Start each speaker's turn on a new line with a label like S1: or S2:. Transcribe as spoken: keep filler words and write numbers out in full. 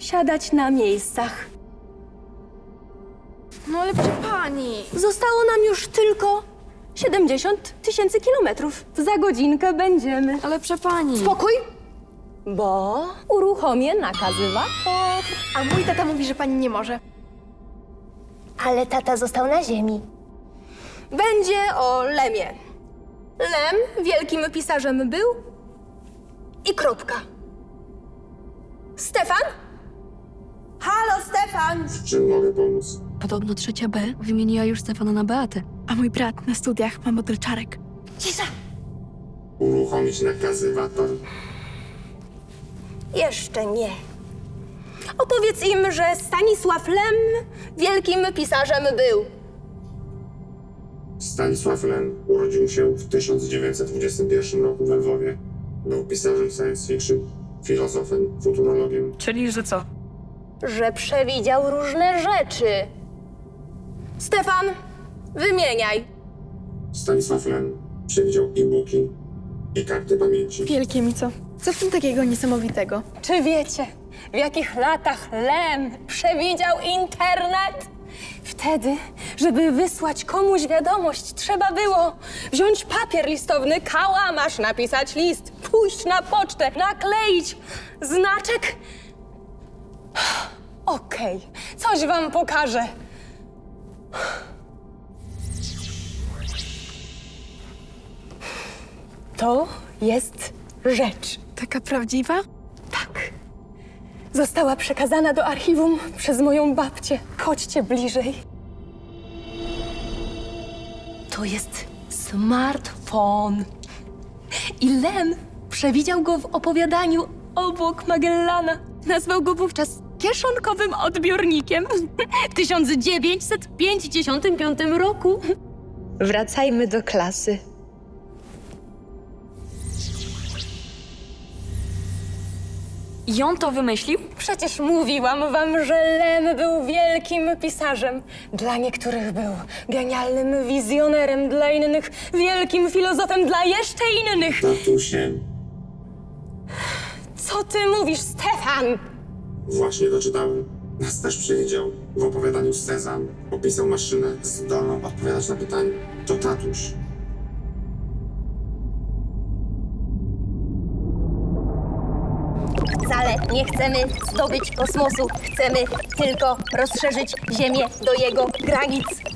S1: siadać na miejscach.
S2: No ale proszę pani.
S1: Zostało nam już tylko siedemdziesiąt tysięcy kilometrów. Za godzinkę będziemy.
S2: Ale proszę pani.
S1: Spokój, bo uruchomię nakazywator.
S2: A mój tata mówi, że pani nie może.
S3: Ale tata został na ziemi.
S1: Będzie o Lemie. Lem wielkim pisarzem był i kropka. Stefan? Halo, Stefan!
S4: Czym mogę pomóc?
S2: Podobno trzecia B wymieniła już Stefana na Beatę. A mój brat na studiach ma model czarek.
S1: Cisza!
S4: Uruchomić nakazywator?
S1: Jeszcze nie. Opowiedz im, że Stanisław Lem wielkim pisarzem był.
S4: Stanisław Lem urodził się w tysiąc dziewięćset dwudziestym pierwszym roku we Lwowie. Był pisarzem science fiction, filozofem, futurologiem.
S5: Czyli, że co?
S1: Że przewidział różne rzeczy. Stefan, wymieniaj.
S4: Stanisław Lem przewidział e-booki i karty pamięci.
S2: Wielkie mi co? Co w tym takiego niesamowitego?
S1: Czy wiecie, w jakich latach Lem przewidział internet? Wtedy, żeby wysłać komuś wiadomość, trzeba było wziąć papier listowny, kałamarz, napisać list, pójść na pocztę, nakleić znaczek. Okej, coś wam pokażę. To jest rzecz.
S2: Taka prawdziwa?
S1: Tak. Została przekazana do archiwum przez moją babcię. Chodźcie bliżej. To jest smartfon. I Lem przewidział go w opowiadaniu Obok Magellana. Nazwał go wówczas kieszonkowym odbiornikiem w tysiąc dziewięćset pięćdziesiątym piątym roku. Wracajmy do klasy.
S2: I on to wymyślił?
S1: Przecież mówiłam wam, że Lem był wielkim pisarzem. Dla niektórych był genialnym wizjonerem, dla innych wielkim filozofem, dla jeszcze innych.
S4: Tatusiem.
S1: Co ty mówisz, Stefan?
S4: Właśnie doczytałem. Nas też przewidział. W opowiadaniu Sezam opisał maszynę zdolną odpowiadać na pytania. To tatuś.
S3: Wcale nie chcemy zdobyć kosmosu. Chcemy tylko rozszerzyć Ziemię do jego granic.